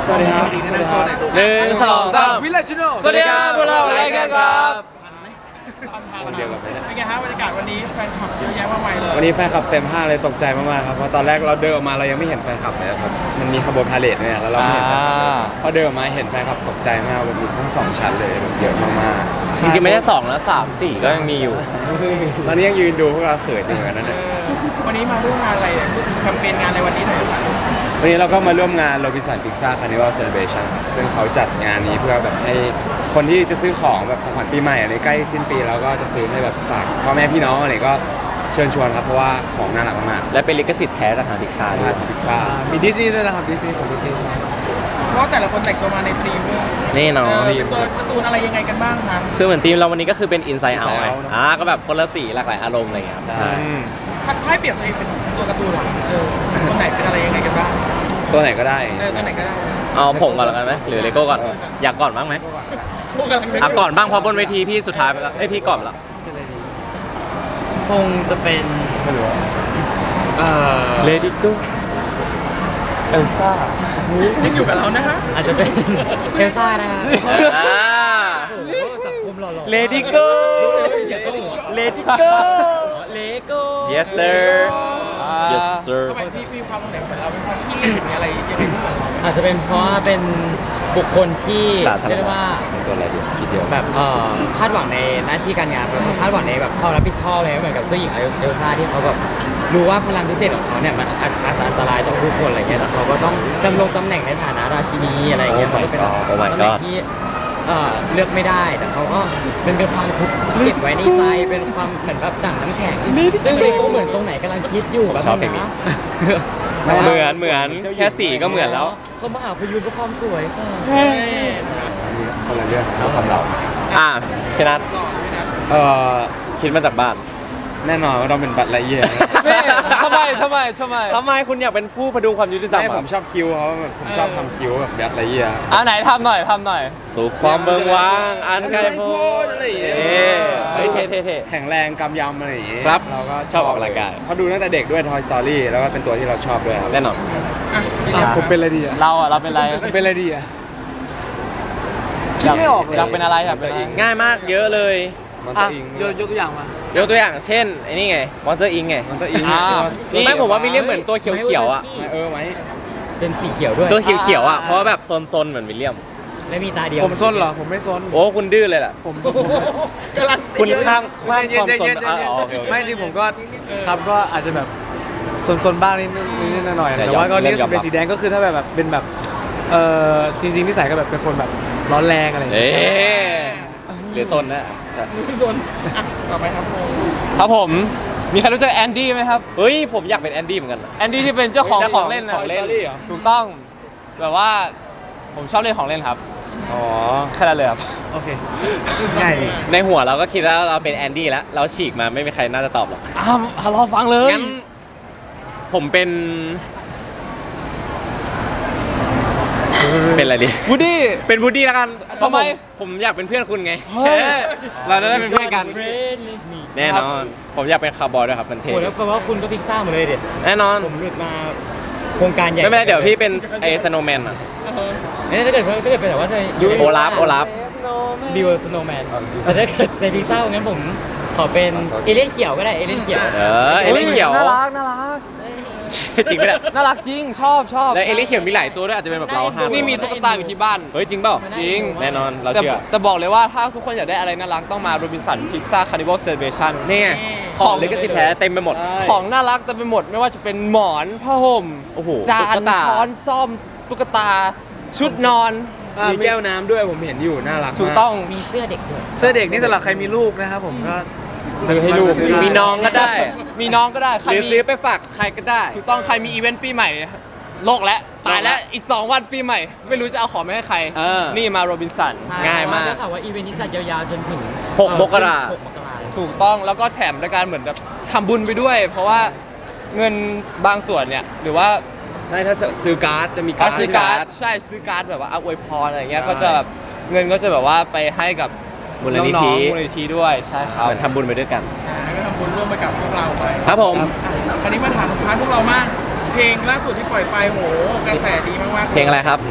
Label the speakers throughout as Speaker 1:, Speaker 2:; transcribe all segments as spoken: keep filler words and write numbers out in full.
Speaker 1: วัสดีครับสวัสดีครับ
Speaker 2: หนึ่งสองสาม
Speaker 1: วิลเลจโน
Speaker 2: สวัสดีครับพวกเรารายการครับ
Speaker 1: คนเดียวกันไหมเนี่ย
Speaker 3: เป็นไงฮะบรรยากาศวันนี้แฟนคลับเยอะแยะมากมายเลย
Speaker 1: วันนี้แฟนคลับเต็มห้างเลยตกใจมากๆครับเพราะตอนแรกเราเดินออกมาเรายังไม่เห็นแฟนคลับเลยครับมันมีขบวนพาเหรดเนี่ยแล้วเราไม่เห็นแฟนคลับเลยพอเดินออกมาเห็นแฟนคลับตกใจมากแบบมีทั้งสองชั้นเลยแบบเยอะมากๆ
Speaker 2: จริงๆไม่ใช่สองแล้วสามสี่ก็ยังมีอยู่
Speaker 1: ตอนนี้ยังยืนดูพวกเราเขินอยู่เหมือนกันนะ
Speaker 3: เอ
Speaker 1: เนี่ย
Speaker 3: อวันนี้มาร่วมงานอะไรเนี่ยพูดถึงแคมเปญงานในวันนี้หน่อยครับ
Speaker 1: วันนี้เราก็มาร่วมงาน Robinson Pizza Carnival Celebration ซึ่งเขาจัดงานนี้เพื่อแบบให้คนที่จะซื้อของแบบของขวัญปีใหม่อะไรใกล้สิ้นปีแล้วก็จะซื้อให้แบบฝากพ่อแม่พี่น้องอะไรก็เชิญชวนครับเพราะว่าของน่ารักมาก
Speaker 2: และเป็นลิขสิทธิ์แท้จากทางพิกซา
Speaker 1: ๆ
Speaker 2: ด้ว
Speaker 1: ทาย นพิซซ่ามีดิสนีย์ด้วยนะครับดิสนีย์ของดิสนีย์ใช่
Speaker 3: เพราะแต่ละคนแต่งตัวมาในธีมด้วย
Speaker 2: นี่
Speaker 3: เอ
Speaker 2: เนาะ
Speaker 3: อเป็นตัวการ์ตูนอะไรยังไงกันบ้างครับ
Speaker 2: คือเหมือนทีมเราวันนี้ก็คือเป็น Inside Out ไง
Speaker 1: Inside Out เนอะ
Speaker 2: อ่าก็แบบคนละสีหลากหลายอารมณ์อะไรอย่างเงี้ยครับใช่
Speaker 3: ถ้าให้เปรียบตัวเองเป็นตัวการ์ตูนหรอเออตัวไหนเป็นอะไรยังไงกันบ้าง
Speaker 1: ตัวไหนก็ได้
Speaker 3: เออตัวไหนก็ได้
Speaker 2: เอาผมก่อนแล้วกันไหมหรือเลโก้ก่อน อยากก่อนบ้างไหม
Speaker 3: พวกกำลังนึก
Speaker 2: อ่ะก่อนบ้างเพราะบนเวทีพี่สุดท้ายไปแล้วเอ้ยพี่ก่อนไปแล้ว
Speaker 4: คงจะเป็นเอ่อ
Speaker 2: Lady Go
Speaker 4: เอลซ่า
Speaker 3: ยังอยู่กับเรานะฮะ
Speaker 4: อาจจะเป็นเอลซ่านะคะ
Speaker 2: อ่า
Speaker 4: โอ้โหสังคมหล่อๆ
Speaker 2: Lady Go
Speaker 4: เสียงก็หัว
Speaker 2: Lady Go
Speaker 4: เลโก้
Speaker 2: Yes sir Yes sir
Speaker 3: ทำไมพี่มีความเหมือนเหมือนเราเป็นคนที่หรืออะไรยังไงที่เหมือนเรา
Speaker 4: อาจจะเป็นเพราะว่าเป็นบุคคลที่
Speaker 2: สาธารณะ
Speaker 4: เรียกได้ว่า
Speaker 1: ตัวอะไรดีคิดเดียว
Speaker 4: แบบเอ่อคาดหวังในหน้าที่การงานแล้วก็คาดหวังในแบบความรับผิดชอบเลยเหมือนกับเจ้าหญิงเอลซ่าที่เขาแบบรู้ว่าพลังพิเศษของเขาเนี่ยมันอาจอาจจะอันตรายต่อผู้คนอะไรเงี้ยแต่เขาก็ต้องดำรงตำแหน่งในฐานะราชินีอะไรเงี้ย
Speaker 2: Oh my
Speaker 4: มันก็เป็น
Speaker 2: God Oh my
Speaker 4: ตำแหน่ง
Speaker 2: God
Speaker 4: ที่เอ่อเลือกไม่ได้แต่เขาก็เป็นเป็นความทุกข์เก็บไว้ในใจเป็นความเหมือนแบบดั่งน้ำแข็งซึ่งเลโก้เหมือนตรงไหนกำลังคิดอยู่แบบ
Speaker 2: ชอบเพลงนี้ เหมือนเหมือนแค่สีก็เหมือนแล้ว
Speaker 4: เขามาหาพยูนเพราะความสวยค่ะ
Speaker 3: เฮ้ย
Speaker 1: คนละเรื่องเราทำเรา
Speaker 2: อ่ะพี่นัท
Speaker 3: หล่อด้วยนะ
Speaker 1: เอ่อ
Speaker 2: คิดมาจากบ้าน
Speaker 1: แน่นอนว่าเราเป็นบัตรละเอียด
Speaker 2: ทำไมทำไมทำไมทำไมคุณอยากเป็นผู้พดุงความยุติธรรม
Speaker 1: ใช่
Speaker 2: อะ
Speaker 1: ผมชอบคิ้วเขาแบบผมชอบทำคิ้วแบบบัตรละเอียด
Speaker 2: อ่ะไหนทำหน่อยทำหน่อย สู่ความเบิงว้างอันไกลโพ้นอะไรอย่างเงี้ยเฮ้ยเท่เท่เท่
Speaker 1: แข็งแรงกำยำอะไรอย่างงี้
Speaker 2: ครับ
Speaker 1: เราก็
Speaker 2: ชอบออกกำลังกาย
Speaker 1: เขาดูตั้งแต่เด็กด้วย Toy Story แล้วก็เป็นตัวที่เราชอบด้วยครับ
Speaker 2: แน่นอน
Speaker 3: อ่ะเป็นไง
Speaker 1: อ่ะผมเป็นอะไรดีอ่ะ
Speaker 2: เราอ่ะเราเป็นอะไร
Speaker 1: ผมเป็นอะไรดีอ่ะ
Speaker 2: คิดไม่ออก
Speaker 1: เลย
Speaker 2: อยากเป็นอะไรอยากเป็นง่ายมากเยอะเลย
Speaker 1: มันตัวอิง
Speaker 4: ยกยกตัวอย่างมาย
Speaker 2: กตัวอย่างเช่นไอ้นี่ไงมอนสเตอร์อิงไง
Speaker 1: มันตัวอิง
Speaker 2: อ่า
Speaker 1: นี่
Speaker 2: ไม่ผมว่าวิลเลียมเหมือนตัวเขียวๆอ่ะ
Speaker 1: เออไหม
Speaker 4: เป็นสีเขียวด้วย
Speaker 2: ตัวเขียวๆอ่ะเพราะว่าแบบซนๆเหมือนวิลเลียม
Speaker 4: และมีตาเดียว
Speaker 1: ผมซนเหรอผมไม่ซน
Speaker 2: โอ้คุณดื้อเลยแหละ
Speaker 1: ผม
Speaker 2: คุณข้างข้างความซน
Speaker 1: เย็นๆ
Speaker 2: อ่ะ
Speaker 1: เย็นๆ
Speaker 2: อ๋อโอเคโอเค
Speaker 1: ไม่จริงผมก็ครับก็อาจจะแบบซนๆบ้างนิดนิดหน่อยๆ
Speaker 2: แต่
Speaker 1: แต่ว่าก็
Speaker 2: ยอม
Speaker 1: เรียก
Speaker 2: ยอมรับ
Speaker 1: เป็นสีแดงก็คือถ้าแบบแบบเป็นแบบเออจริงๆนิสัยก็แบบเป็นคนแบบร้อนแรงอะไรอย่าง
Speaker 2: เอ๊
Speaker 1: เงี้ย
Speaker 2: ะหรือซนนะใช่
Speaker 3: มือส่วนอ่ะต่อไปครับผม
Speaker 5: ครับผม มีใครรู้จักแอนดี้ไหมครับ
Speaker 2: เฮ้ยผมอยากเป็นแอนดี้เหมือนกันนะ
Speaker 5: แอนดี้ที่เป็นเจ้าของ
Speaker 2: เจ้า
Speaker 5: ข
Speaker 2: ข
Speaker 5: อ
Speaker 2: อง ง
Speaker 5: เล่นนะ
Speaker 2: ของเล่น
Speaker 5: ถูกต้อง แบบว่าผมชอบเล่นของเล่นครับ
Speaker 1: อ๋อ
Speaker 5: แค่นั้นเลยครับ
Speaker 1: โอเคง่ายดี
Speaker 2: ในหัวเราก็คิดแล้วเราเป็นแอนดี้แล้ว เราฉีกมาไม่มีใครน่าจะตอบหรอก
Speaker 5: อ้าวรอฟังเลย
Speaker 2: งั้นผมเป็น เป็นอะไรดี
Speaker 5: วูดดี้
Speaker 2: เป็นวูดดี้แล้วกัน
Speaker 5: ทำไม
Speaker 2: ผมผมอยากเป็นเพื่อนคุณไง
Speaker 5: เฮ้ย
Speaker 2: เราจะได้เป็นเพื่อนกัน
Speaker 4: เฟรนลี่มี
Speaker 2: แน่นอน ผมอยากเป็นคาร์บอยด้วยครับมันเท่
Speaker 4: โอ้แล้วแปลว่าคุณก็พิกซ่าหมดเลยเด็ด
Speaker 2: แน่นอน
Speaker 4: ผมหลุดมาโครงการใหญ่
Speaker 2: ไม่เป็นไรเดี๋ยวพี่เป็นไอ้สโนว์แมนอะ
Speaker 4: เอ้ยถ้าเกิดถ้าเกิดเป็นแบบว่าจะอยู่ใน
Speaker 2: โอลาฟโอลาฟ
Speaker 4: บิวสโนว์แมนแต่ถ้าเกิดในพิกซ่างั้นผมขอเป็นเอเลี่ยนเขียวก็ได้เอเลี่ยนเขียว
Speaker 2: เออเอลิเขียว
Speaker 5: น่ารักน่ารัก
Speaker 2: จริงไหมเนี่ย
Speaker 5: น่ารักจริงชอบชอบ
Speaker 2: แล้วเอลิเขียวมีหลายตัวด้วยอาจจะเป็นแบบเราห้า
Speaker 5: นี่มีตุ๊กตาอยู่ที่บ้าน
Speaker 2: เฮ้ยจริงเปล่า
Speaker 5: จริง
Speaker 2: แน่นอนเรา
Speaker 5: แต่
Speaker 2: เชื่อ
Speaker 5: จะบอกเลยว่าถ้าทุกคนอยากได้อะไรน่ารักต้องมาโรบินสันพิซซ่าคาร์นิวัลเซเลเบชั่น
Speaker 2: นี่ไงของลิขสิทธิ์แท้เต็มไปหมด
Speaker 5: ของน่ารักเต็มไปหมดไม่ว่าจะเป็นหมอนผ้าห่ม
Speaker 2: โอ้โห
Speaker 5: จา
Speaker 2: ตุ๊
Speaker 5: น
Speaker 2: กตา
Speaker 5: ช้อนซ่อมตุ๊กตา ชุดนอน
Speaker 1: มีแก้วน้ำด้วยผมเห็นอยู่น่ารัก
Speaker 5: ถูกต้อง
Speaker 4: มีเสื้อเด็กด้วย
Speaker 1: เสื้อเด็กนี่สำหรับใครมีลูกนะครับผมก็
Speaker 2: ซื้อให้ลูก
Speaker 1: ซื้อได้
Speaker 2: มีน้องก็ได้
Speaker 5: มีน้องก็ได้ใคร
Speaker 2: หรือ
Speaker 5: มี
Speaker 2: ซื้อไปฝากใครก็ได้
Speaker 5: ถูกต้องใครมีอีเวนต์ปีใหม่โลกแล้วตายแล้วอีก สอง วันปีใหม่ ไม่รู้จะเอาของไปให้ใคร
Speaker 2: เออ
Speaker 5: นี่มาโรบินสัน
Speaker 4: ใช่
Speaker 2: ง่ายมาก
Speaker 4: ได้ข่าวว่าอีเวนต์นี้จัดยาวๆจนถึง
Speaker 2: หก
Speaker 4: เอ่อ
Speaker 2: มกรา
Speaker 4: หกมกรา
Speaker 5: ถูกต้องแล้วก็แถมในการเหมือนแบบทำบุญไปด้วย เพราะว่าเงินบางส่วนเนี่ยหรือว่า
Speaker 1: ใช่ถ้าซื้อการ์ดจะมีการ์ด
Speaker 5: ซื้อการ์ดใช่ซื้อการ์ดแบบว่าเอาอวยพรอะไรเงี้ย
Speaker 1: ใช่
Speaker 5: ก็จะแบบเงินก็จะแบบว่าไปให้กับ
Speaker 2: มูลนิธิ
Speaker 5: น้องๆมูลนิธิด้วยใช่ครับ
Speaker 2: เหมือนทำบุญไปด้วยกัน
Speaker 3: อ่าแล้วก็ทำบุญร่วมไปกับพวกเราไป
Speaker 2: ครับผม
Speaker 3: อ่ะคราวนี้มาถามพาร์ทพวกเรามากเพลงล่าสุดที่ปล่อยไปโหกระแสดีมากๆ
Speaker 2: เพลงอะไรครับ
Speaker 3: เ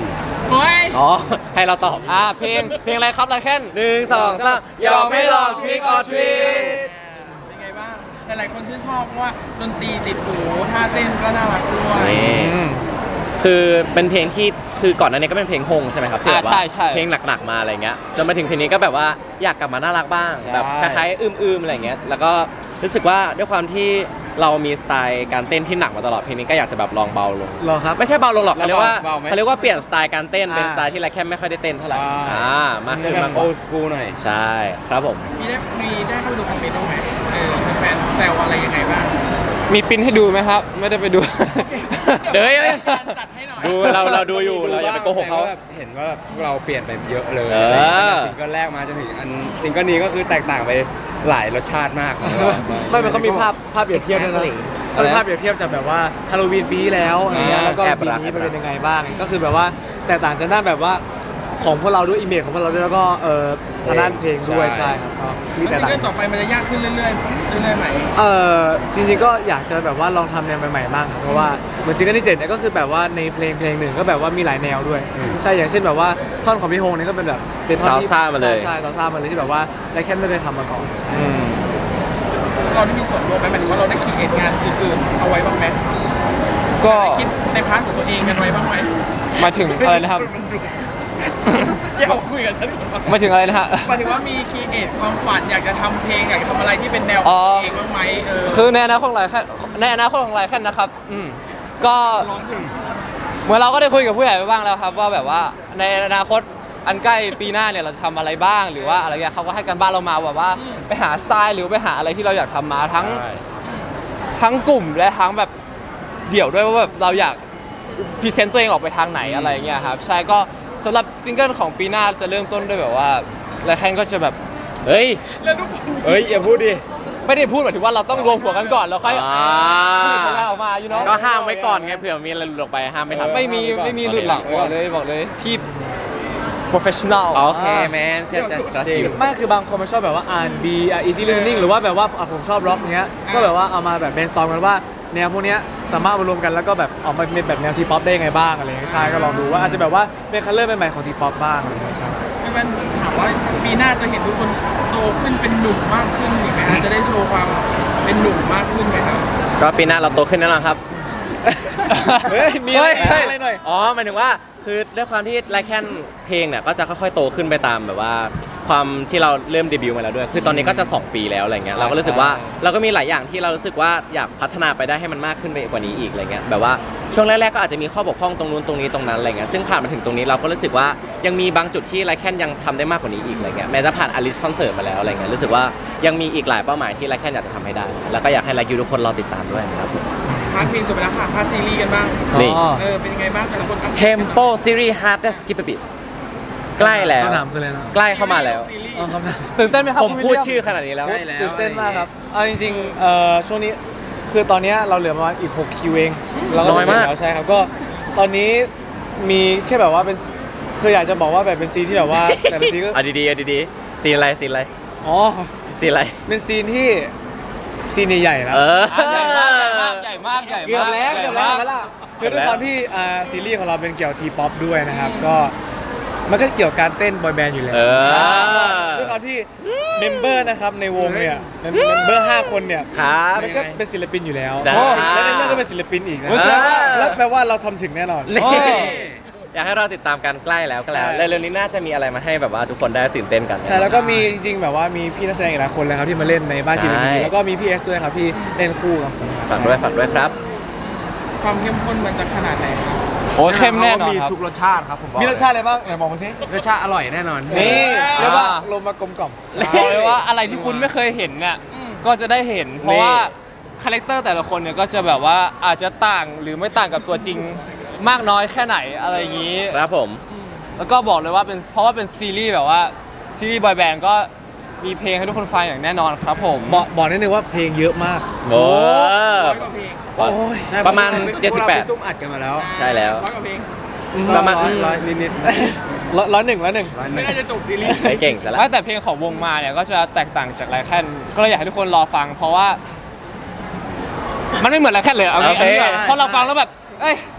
Speaker 3: โอ้ย
Speaker 2: อ๋อ ให้เราตอบ
Speaker 5: อ่าเพลงเพลงอะไรครับไรแค่น
Speaker 2: หนึ่งสองสามยอมไม่ลอง trick or treat
Speaker 3: เป็นไงบ้างหลายๆคนชื่นชอบเพราะว่าดนตรีติดหูท่าเต้นก็น่ารักด้วย
Speaker 2: นี่คือเป็นเพลงที่คือก่อนหน้านี้ก็เป็นเพลงฮงใช่ไหมครับที่แบบว่า
Speaker 5: อ่าใช่ใช่
Speaker 2: เพลงหนักๆมาอะไรเงี้ยจนมาถึงเพลงนี้ก็แบบว่าอยากกลับมาน่ารักบ้าง
Speaker 1: ใช่
Speaker 2: แบบคล้ายๆอืมๆอะไรเงี้ยแล้วก็รู้สึกว่าด้วยความที่เรามีสไตล์การเต้นที่หนักมาตลอดเพลงนี้ก็อยากจะแบบลองเบาลง
Speaker 4: รอครับ
Speaker 2: ไม่ใช่เบาลงหรอกเขาเรียกว่า
Speaker 1: เบาไหม
Speaker 2: เขาเรียกว่าเปลี่ยนสไตล์การเต้นเป็น
Speaker 4: อ่า
Speaker 2: สไตล์ที่ไรแค่ไม่ค่อยได้เต้นเท่าไหร่
Speaker 1: ใช่
Speaker 2: อ่ามากขึ้น
Speaker 1: แบ
Speaker 2: มาก
Speaker 1: บ
Speaker 2: ก
Speaker 1: โอ
Speaker 2: ว่า
Speaker 1: สกูหน่อย
Speaker 2: ใช่ครับผม
Speaker 3: มีได้มีได้เข้าไปดูคอมเมนต์บ้างไหมเออแฟนแซวอะไรยังไงบ้าง
Speaker 5: มีปริ้นให้ดูไหมครับ ไม่ได้ไปดู
Speaker 2: เดี๋ยว
Speaker 3: การจัดให้หน่อย
Speaker 2: ดูเราเราดูอยู่เราอย่าไปโกหกเขา
Speaker 1: แต่แบบเห็นว่าแบบพวกเราเปลี่ยนไปเยอะเลย
Speaker 2: เออ
Speaker 1: ตั้งแต่ซิงเกิลแรกมาจนถึงอันซิงเกิลนี้ก็คือแตกต่างไปหลายรสชาติมากของเรา
Speaker 4: ไม่มันเขามีภาพภาพเปรียบเทียบด้วยนะ
Speaker 2: Exactly
Speaker 4: เขามีภาพเปรียบเทียบจากแบบว่าฮาโลวีนปีที่แล้วอะไรเงี้ย
Speaker 1: อ่า
Speaker 4: แล้วก็
Speaker 2: แอบ
Speaker 4: ปี
Speaker 2: รัก
Speaker 4: นี้มัน
Speaker 2: แอบรัก
Speaker 4: เป็นยังไงบ้าง ก็คือแบบว่าแตกต่างจากด้านแบบว่าของพวกเราด้วยอิมเมจของพวกเราด้วยแล้วก็เอ่อทางด้านเพลงด้วยใช่ครับก็มี
Speaker 3: แล้ว
Speaker 4: แต่
Speaker 3: ซิง
Speaker 4: ต่าง
Speaker 3: เกิลต่อไปมันจะยากขึ้นเรื่อยๆเรื่อยๆไหม
Speaker 4: เอ่อจริงๆก็อยากจะแบบว่าลองทำแนวใหม่ๆบ้างครับเพราะว่าเหมือนซิงเกิลที่เจ็ดเนี่ยก็คือแบบว่าในเพลงเพลงหนึ่งก็แบบว่ามีหลายแนวด้วย ใช่อย่างเช่นแบบว่าท่อนของพี่ฮงเนี่ยก็เป็นแบบเป็นท่อนที่
Speaker 2: ซาลซ่ามาเลย
Speaker 4: ใช่ซาลซ่ามาเลยที่แบบว่าไรแค่ไม่ได้ทำมาก่อนใช่
Speaker 3: เราได้มีส่วนร่วมไหมหมายถึงว่าเราได้คิดเอทงานอื่นๆเอาไว้บ้างไหม
Speaker 5: ก็
Speaker 3: คิดในพาร์ทของตัวเองกันไว้บ้างไหม
Speaker 5: มาถึงอะไรนะครับ
Speaker 3: เกี่ยวคุยกับฉันก่อน
Speaker 5: มาถึงอะไรนะฮะ
Speaker 3: หมายถึงว่ามีคีเอทความฝันอยากจะทำเพลงอยากจะทำอะไรที่เป็นแนวข
Speaker 5: อ๋
Speaker 3: อง
Speaker 5: อ
Speaker 3: ตัวเองบ้างไหมเออ
Speaker 5: คือในอนาคตของไรแค่ในอนาคตของไรแค่นะครับ อืมก็
Speaker 3: ร้องถึง
Speaker 5: เหมื่อนเราก็ได้คุยกับผู้ใหญ่ไปบ้างแล้วครับ ว่าแบบว่าในอนาคตอันใกล้ปีหน้าเนี่ยเราจะทำอะไรบ้างหรือว่าอะไรเงี้ยเขาก็ให้กันบ้านเรามาแบบว่าไปหาสไตล์หรือไปหาอะไรที่เราอยากทำมาทั้ง
Speaker 1: ใช่
Speaker 5: ทั้งกลุ่มและทั้งแบบเดี่ยวด้วยว่าแบบเราอยากพรีเซนต์ตัวเองออกไปทางไหนอะไรเงี้ยครับใช่ก็สำหรับซิงเกิลของปีหน้าจะเริ่มต้นด้วยแบบว่าไรแค่ก็จะแบบ
Speaker 2: เฮ้ย
Speaker 3: แล้วทุกคน
Speaker 1: เฮ้ยอย่าพูดดิ
Speaker 5: ไม่ได้พูดหมายถึงว่าเราต้องรวมหัวกันก่อนแล้วค่อย
Speaker 2: อ่า
Speaker 5: ผลิตผลงานออกมาอยู่เนาะ
Speaker 2: ก็ห้ามไว้ก่อนไงเผื่อมีอะไรหลุดออกไปห้ามไม่ทัน
Speaker 5: ไม่มีไม่มีหลุดหลังบอกเลยบอกเลยพี่ professional
Speaker 2: โอเคแมนเชื่อใจ trust you
Speaker 4: ไม่คือบางคนมันชอบแบบว่า อาร์ แอนด์ บี อ่ะ easy listening หรือว่าแบบว่าอ่ะผมชอบร็อกเงี้ยก็แบบว่าเอามาแบบ brainstorm กันว่าแนวพวกเนี้ยสามารถมารวมกันแล้วก็แบบออกมาเป็นแบบแนวทีป๊อปได้ยังไงบ้างอะไรเงี้ยใช่ก็ลองดูว่าอาจจะแบบว่าเป็นคัลเลอร์ใหม่ๆของทีป๊อปบ้างอะไรเงี้ยใช่
Speaker 3: พี่แว่นถามว่าปีหน้าจะเห็นทุกคนโตขึ้นเป็นหนุ่มมากขึ้นอีกไหมอาจจะได้โชว์ความเป็นหนุ่มมากขึ้นไหมครับ
Speaker 2: ก็ปีหน้าเราโตขึ้นแน่นอนครับ
Speaker 4: เฮ้ยมีอะไร
Speaker 2: เฮ้ย
Speaker 4: อะไรหน่อย
Speaker 2: อ๋อหมายถึงว่าคือด้วยความที่ไลแคนเพลงเนี่ยก็จะค่อยๆโตขึ้นไปตามแบบว่า ความที่เราเริ่มเดบิวต์มาแล้วด้วย คือตอนนี้ก็จะสองปีแล้วอะไรเงี้ยเราก็รู้สึกว่าเราก็มีหลายอย่างที่เรารู้สึกว่าอยากพัฒนาไปได้ให้มันมากขึ้นไปกว่านี้อีกอะไรเงี้ยแบบว่าช่วงแรกๆก็อาจจะมีข้อบกพร่องตรงนู้นตรงนี้ตรงนั้นอะไรเงี้ยซึ่งผ่านมาถึงตรงนี้เราก็รู้สึกว่ายังมีบางจุดที่ไลแคนยังทำได้มากกว่านี้อีกอะไรเงี้ยแม้จะผ่านอลิสคอนเสิร์ตมาแล้วอะไรเงี้ยรู้สึกว่ายังมีอีกหลายเป้าหมายที่ไลแคนอยากจะทำให้ได้ แล้วก็อยากให้ไลคิวทุกคนรอติดตามด้วยครับ
Speaker 3: พาร์ทเพลงจบไปแล้วค่ะพาร์ทซีรีส์กันบ้าง
Speaker 2: นี่
Speaker 4: อ๋อ
Speaker 3: เออเป็นยังไงบ้างแต่ละคนอัปดต
Speaker 2: Tempo Series Hard That Skip a Bit ใกล้แล้ว
Speaker 4: คำถามคืออะไรนะ
Speaker 2: ใกล้เข้ามาแล้ว
Speaker 3: ซีรีส์
Speaker 4: อ๋อคำถาม
Speaker 5: ตื่นเต้นไหมครับ
Speaker 2: ผม
Speaker 5: คุณ
Speaker 2: พูด
Speaker 5: วิลเลีย
Speaker 2: ชื่อขนาดนี้แล้ว
Speaker 1: ใกล้แล้ว
Speaker 4: ตื่นเต้นมากครับเอาจริงๆเอ่อช่วงนี้คือตอนเนี้ยเราเหลือประมาณอีกหกคิวเองเราก็
Speaker 2: น้อยมาก
Speaker 4: เสร็จแล้วใช่ครับก็ตอนนี้มีแค่แบบว่าเป็นคืออยากจะบอกว่าแบบเป็นซีนที่แบบว่าแต่ละซีนก็
Speaker 2: เอาดีๆเอาดีๆซีนอะไรซีนอะไร
Speaker 4: อ๋อ
Speaker 2: ซีนอะไร
Speaker 4: เป็นซีนที่ซีนใหญ่ๆนะ
Speaker 2: เออ
Speaker 5: อ่ะใหญ่มากใหญ่มากใหญ่มากใหญ่
Speaker 4: เกือบ
Speaker 5: มาก
Speaker 4: แล้วเกือบแล้ว
Speaker 5: ใหญ่มาก
Speaker 4: แล้วล่ะคือด้วยความที่อ่าซีรีส์ของเราเป็นเกี่ยวกับทีป๊อปด้วยนะครับก็มันก็เกี่ยวกับการเต้นบอยแบนด์อยู่แล้ว
Speaker 2: เออ
Speaker 4: ใช่ด้วยความที่เมมเบอร์นะครับในวงเนี่ยเมมเบอร์ห้าคนเนี่ย
Speaker 2: ครับ
Speaker 4: มันก็เป็นศิลปินอยู่แล้ว
Speaker 2: ได้
Speaker 4: โอ้และในเรื่องก็เป็นศิลปินอีกนะ
Speaker 2: เออ
Speaker 4: แล้วแปลว่าเราทำถึงแน่นอน
Speaker 2: นี่
Speaker 4: โอ้
Speaker 2: อยากให้เราติดตามกันใกล้แล้วก็แล้ว
Speaker 4: ใช่
Speaker 2: เร็วๆนี้น่าจะมีอะไรมาให้แบบว่าทุกคนได้ตื่นเต้นกัน
Speaker 4: ใช่แล้วก็มีจริงๆแบบว่ามีพี่นักแสดงอีกหลายคนเลยครับที่มาเล่นในบ้านจีน
Speaker 2: ใช่
Speaker 4: แล้วก็มีพี่เอสด้วยครับที่เล่นคู่กับผม
Speaker 2: ฝากด้วยฝากด้วยครับ
Speaker 3: ความเข้มข้นมันจะขนาดไหนครับ
Speaker 5: โอ้ยเข้มแน่นอน
Speaker 1: มี
Speaker 5: ครับ
Speaker 1: ทุกรสชาติครับผมบอก
Speaker 4: มีรสชาติอะไรบ้างไหนบอกมาสิ
Speaker 1: รสชาติอร่อยแน่นอน
Speaker 4: นี่เรียกว่า
Speaker 5: อ่า
Speaker 4: ลมมากลมกล่อม
Speaker 5: บอกเลยว่าอะไรที่คุณไม่เคยเห็นเนี่ยก็จะได้เห็น เพราะว่าคาแรคเตอร์แต่ละคนเนี่ยก็จะแบบว่าอาจจะต่างหรือไม่ต่างกับตัวจริงมากน้อยแค่ไหนอะไรอย่างนี้
Speaker 2: ครับผม
Speaker 5: แล้วก็บอกเลยว่าเป็นเพราะว่าเป็นซีรีส์แบบว่าซีรีส์บอยแบนด์ก็มีเพลงให้ทุกคนฟังอย่างแน่นอนครับผม
Speaker 4: บอกบอกนิดนึงว่าเพลงเยอะมาก
Speaker 2: โอ้
Speaker 3: ร้อยกว่าเพลง
Speaker 4: โอ้ย
Speaker 2: ประมาณ
Speaker 1: พวกเ
Speaker 2: เจ็ดสิบแปด
Speaker 1: พวกเราไปซุ่มอัดกันมาแล้ว
Speaker 2: ใช่แล้ว
Speaker 3: ร้อยกว่าเพลง
Speaker 2: ประมาณ
Speaker 1: ร้อยร้อยนิด
Speaker 4: ร้อยร้อยหนึ่งร้อยหนึ่ง
Speaker 1: ๆร้อยห
Speaker 3: ไม่
Speaker 1: นึ่ง
Speaker 3: น่าจะจบซีรีส์
Speaker 2: ไอ้เก่งซะแล้ว
Speaker 5: แต่เพลงของวงมาเนี่ยก็จะแตกต่างจากไลแคนก็เลยอยากให้ทุกคนรอฟัง เพราะว่า มันไม่เหมือนไลแคนเลยเอางี้
Speaker 2: โอเค
Speaker 5: เอางี้ก่อนเพราะเราฟังแล้วแบบเอ้ย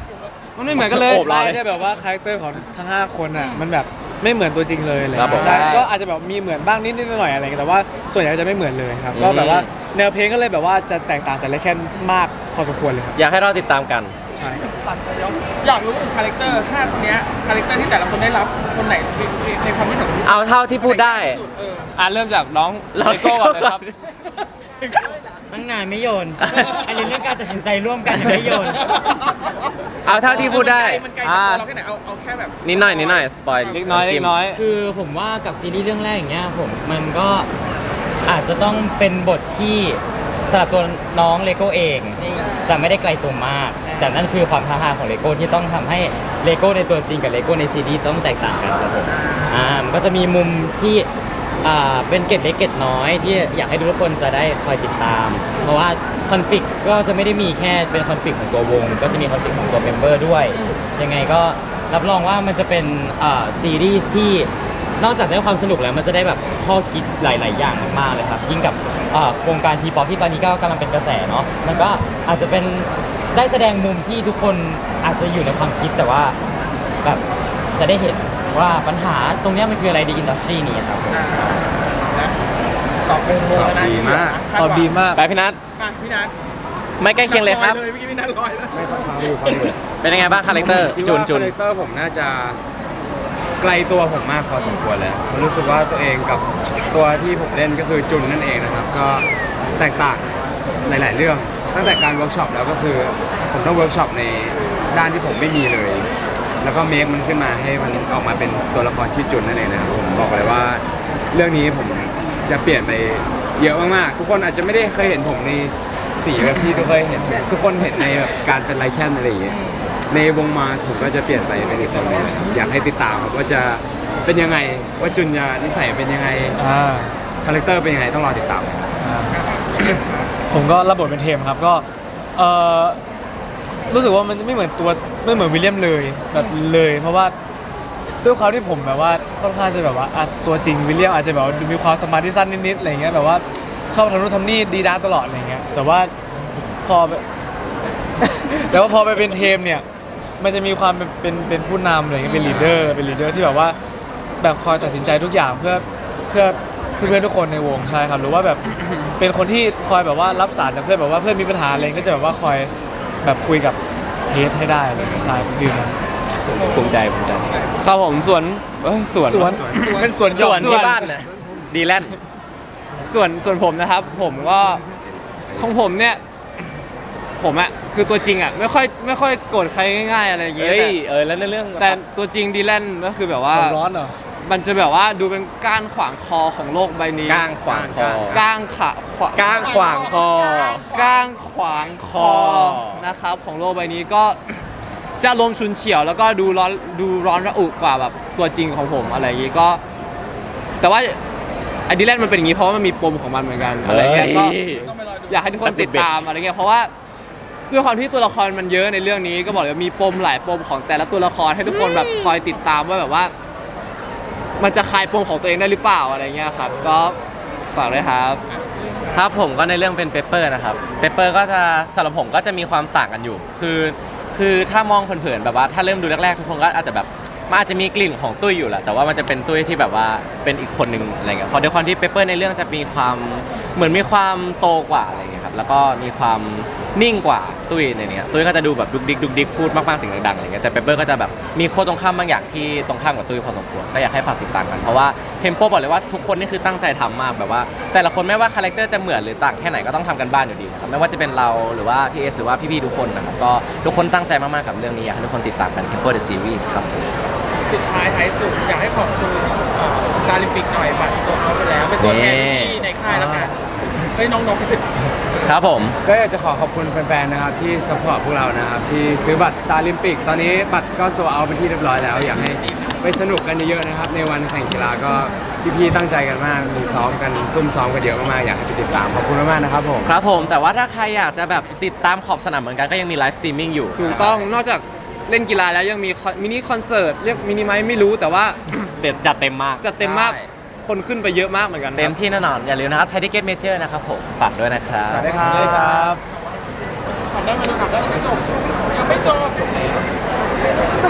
Speaker 5: มันไม่เหมือนกันเลย
Speaker 2: โอบเรา
Speaker 6: ไม่ได้แบบว่าคาแรคเตอร์ของทั้งห้าคนอ่ะมันแบบไม่เหมือนตัวจริงเลยอะไร
Speaker 2: ครับผม
Speaker 6: ใช่ก็อาจจะแบบมีเหมือนบ้างนิดๆหน่อยๆอะไรเงี้ยแต่ว่าส่วนใหญ่จะไม่เหมือนเลยครับก็แบบว่าแนวเพลงก็เลยแบบว่าจะแตกต่างจากไลแคนมากพอสมควรเลยครับ
Speaker 2: อยากให้เราติดตามกัน
Speaker 6: ใช่ครับ
Speaker 3: ตัดไปเดี๋ยวอยากรู้ถึงคาแรคเตอร์ห้าคนเนี้ยคาแรคเตอร์ที่แต่ละคนได้รับคนไหนในความรู้สึกของ
Speaker 2: เอาเท่าที่พูดได้
Speaker 3: สุดเออ
Speaker 5: อ่ะเริ่มจากน้อง
Speaker 2: เรา
Speaker 5: เลโก้ก่อนเลยครับ
Speaker 4: ตั้งนานไม่โยน อันนี้เรื่องการตัดสินใจร่วมกันยังไม่โยน
Speaker 2: เอาเท่าที่พูดได้
Speaker 3: มันไกลจากตัวเราแค่ไหนเอาเอาแค่แบบ
Speaker 2: นิดหน่อยนิดหน่อยสปอย
Speaker 5: เล็กน้อยเล็กน้อย
Speaker 4: คือผมว่ากับซีรีส์เรื่องแรกอย่างเงี้ยผมมันก็อาจจะต้องเป็นบทที่สำหรับตัวน้องเลโก้เองจะไม่ได้ไกลตัวมาก แต่นั่นคือความท้าทายของเลโก้ที่ต้องทำให้เลโก้ในตัวจริงกับเลโก้ในซีรีส์ต้องแตกต่างกันครับผมอ่ามันก็จะมีมุมที่อ่าเป็นเกร็ดเล็กเกร็ดน้อยที่อยากให้ทุกคนจะได้คอยติดตาม เพราะว่าคอนฟ lict ก็จะไม่ได้มีแค่เป็นคอนฟ lict ของตัววง ก็จะมีคอนฟ lict ของตัวเมมเบอร์ด้วย ยังไงก็รับรองว่ามันจะเป็นอ่าซีรีส์ที่นอกจากได้ความสนุกแล้วมันจะได้แบบข้อคิดหลาย ๆ อย่างมากๆเลยครับยิ่งกับอ่าวงการทีป๊อปที่ตอนนี้ก็กำลังเป็นกระแสเนาะมันก็อาจจะเป็นได้แสดงมุมที่ทุกคนอาจจะอยู่ในความคิดแต่ว่าแบบจะได้เห็นว่าปัญหาตรงเนี้ยมันคืออะไรในอินดัสทรีนี้ครับผม
Speaker 3: อ่านะตอบโมงโมงแล้วนะ
Speaker 1: ตอบดีมาก
Speaker 6: ตอบดีมาก
Speaker 2: ไปพี่นัท
Speaker 3: อ่ะพี่นัท
Speaker 2: ไม่ใกล้เคียงเลยครับ
Speaker 3: เมื่อกี้พี่นัทลอยแล้ว
Speaker 1: ไม่ฟังอยู่ฟังอยู่
Speaker 2: เป็นยังไงบ้างคาแรคเตอร์
Speaker 1: คิด
Speaker 2: จุน
Speaker 1: ว่า
Speaker 2: จุน
Speaker 1: คาแรคเตอร์ผมน่าจะไกลตัวผมมากพอสมควรเลยผมรู้สึกว่าตัวเองกับตัวที่ผมเล่นก็คือจุนนั่นเองนะครับ ก็แตกต่างหลาย ๆ เรื่อง ตั้งแต่การเวิร์กช็อปแล้วก็คือผมต้องเวิร์กช็อปในด้านที่ผมไม่มีเลย แล้วก็เมคมันขึ้นมาให้มันออกมาเป็นตัวละครที่จุนนั่นเองนะครับผมบอกเลยว่าเรื่องนี้ผมจะเปลี่ยนไปเยอะมาก ๆ ทุกคนอาจจะไม่ได้เคยเห็นผมในสีแบบที่ทุกคนเห็นทุกคนเห็นในแบบการเป็นไลแคนอะไรอย่างเงี้ย ในวงมาสผมก็จะเปลี่ยนไปเป็นอีกคนหนึงอยากให้ติดตามครับว่าจะเป็นยังไงว่าจุนจะนิสัยเป็นยังไง
Speaker 6: อ่า
Speaker 1: คาแรคเตอร์เป็นยังไงต้องรอติดตาม
Speaker 6: ผมก็รับบทเป็นเทมครับก็เออรู้สึกว่ามันไม่เหมือนตัวไม่เหมือนวิลเลียมเลยแบบเลย เพราะว่าด้วยความที่ผมแบบว่าค่อนข้างจะแบบว่าอ่ะตัวจริงวิลเลียมอาจจะแบบว่ามีความสมาธิสั้นนิดๆอะไรเงี้ยแบบว่าชอบทำนู่นทำนี่ดีด้าตลอดอะไรเงี้ยแต่ว่าพอ แต่ว่าพอไปเป็นเทมเนี่ยมันจะมีความเป็นเป็นเป็นผู้นำอะไรเงี้ยเป็นลีดเดอร์เป็นลีดเดอร์ที่แบบว่าแบบคอยตัดสินใจทุกอย่างเพื่อเพื่อเพื่อนๆทุกคนในวงใช่ครับหรือว่าแบบ เป็นคนที่คอยแบบว่ารับสารจากเพื่อนแบบว่าเพื่อนมีปัญหาอะไรก็จะแบบว่าคอยแบบคุยกับเฮดให้ได้อะไรอย่างเงี้ยใช่ฟิลนั้น
Speaker 2: ภูมิใจภูมิใจ
Speaker 5: ครับผมสวนเอ้ยสวน
Speaker 6: สวนเป็นสวนหย่
Speaker 2: ส่
Speaker 6: อ
Speaker 2: วน
Speaker 6: ม
Speaker 2: ที่บ้านนะดีแลนด์
Speaker 5: ส่วนส่วนผมนะครับ ผมก็ของผมเนี่ย ผมอะคือตัวจริงอะไม่ค่อยไม่ค่อยโกรธใครง่ายๆอะไรอย่างเงี้ย
Speaker 2: เฮ้ย
Speaker 5: แต่
Speaker 2: เออแล้วในเรื่อง
Speaker 5: แต่ตัวจริงดีแลนก็คือแบบว่า
Speaker 6: หัวร้อนเหรอ
Speaker 5: มันจะแบบว่าดูเป็นก้านขวางคอของโลกใบนี้
Speaker 2: ก้างขวางคอ
Speaker 5: ก้างขาขวา
Speaker 2: ก้างขวางคอ
Speaker 5: ก้างขวางคอ
Speaker 2: คอ
Speaker 5: นะครับของโลกใบนี้ก็ จะอารมณ์ชุนเฉียวแล้วก็ดูร้อนดูร้อนระอุกว่าแบบตัวจริงของผมอะไรอย่างงี้ก็ แต่ว่าไอดีแลนมันเป็นอย่างงี้เพราะว่ามันมีปมของมันเหมือนกันอะไรเงี้ยก็
Speaker 2: เฮ้ย
Speaker 3: ต้องไปรอดู
Speaker 5: อยากให้ทุกคนติดตามอะไรเงี้ยเพราะว่าด้วยความที่ตัวละครมันเยอะในเรื่องนี้ก็บอกเลยว่ามีปมหลายปมของแต่ละตัวละครให้ทุกคนแบบคอยติดตามว่าแบบว่า มันจะคลายปมของตัวเองได้หรือเปล่าอะไรเงี้ยครับ ก็ฝากด้วยครับ
Speaker 2: ครับผมก็ในเรื่องเป็นเปเปอร์นะครับเปเปอร์ก็จะสำหรับผมก็จะมีความต่างกันอยู่ คือคือถ้ามองเผินๆแบบว่าถ้าเริ่มดูแรกๆทุกคนก็อาจจะแบบมันอาจจะมีกลิ่นของตุ้ยอยู่แหละแต่ว่ามันจะเป็นตุ้ยที่แบบว่าเป็นอีกคนหนึ่งอะไรเงี้ยพอด้วยความที่เปเปอร์ในเรื่องจะมีความเหมือนมีความโตกว่าอะไรเงี้ยครับแล้วก็มีความนิ่งกว่าตุ้ยในเนี้ยตุ้ยก็จะดูแบบดุกดิกดุกดิกพูดมากๆเสียงดังๆอะไรเงี้ยแต่เปเปอร์ก็จะแบบมีโค้ดตรงข้ามบางอย่างที่ตรงข้ามกับตุ้ยพอสมควรก็อยากให้ฝากติดตามกันเพราะว่าเทมโปบอกเลยว่าทุกคนนี่คือตั้งใจทำมากแบบว่า แต่ละคนไม่ว่าคาแรคเตอร์จะเหมือนหรือต่างแค่ไหนก็ต้องทำกันบ้านอยู่ดีนะครับไม่ว่าจะเป็นเราหรือว่าพี่เอสหรือว่าพี่ๆทุกคนนะครับก็ทุกคนตั้งใจมากๆกับเรื่องนี้อยากให้ทุกคนติดตามกัน Tempo the Series ครับ
Speaker 3: สุดท้ายท้ายสุดอยากให้ขอบคุณสตาร์ลิมปิกหน่อยบัตรโซนเขาไปแล้ว เป็นตัวแทนที่ในค่ายแล้วกันเฮ้ยน้องๆ
Speaker 2: ครับผม
Speaker 1: ก็อยากจะขอขอบคุณแฟนๆนะครับที่สปอร์ตพวกเรานะครับที่ซื้อบัตร Star Olympic ตอนนี้บัตรก็โซเอาเป็นที่เรียบร้อยแล้ว อยากให้ไปสนุกกันเยอะๆนะครับในวันแข่งกีฬาก็พี่ๆตั้งใจกันมากมีซ้อมกันซุ่มซ้อมกันเยอะมากๆอยากให้ไปติดตามขอบคุณมากๆนะครับผม
Speaker 2: ครับผมแต่ว่าถ้าใครอยากจะแบบติดตามขอบสนามเหมือนกันก็ยังมีไลฟ์สตรีมมิ่งอยู่
Speaker 5: ถูกต้องนอกจากเล่นกีฬาแล้วยังมีคอนมินิคอนเสิร์ตเรียกมินิไหมไม่รู้แต่ว่า
Speaker 2: เด็ดจัดเต็มมาก
Speaker 5: จะเต็มมากคนขึ้นไปเยอะมากเหมือนกัน
Speaker 2: เต็มที่แน่นอนอย่าลืมนะครับไทยทิเก็ตเมเจอร์นะครับผมฝากด้วยนะครับ
Speaker 1: สวัสดีครับ
Speaker 6: ได้ครับ
Speaker 3: ถามได้ไหมดูถามได้ยังไม่จบยังไม่จบ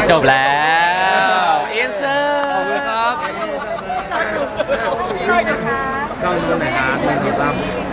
Speaker 2: จบแล้วเอ็นเซอร์
Speaker 5: ขอบคุณครับ
Speaker 7: เลยนะคะ
Speaker 1: กล้องนู้นหน่อยครับหนึ่งสองสาม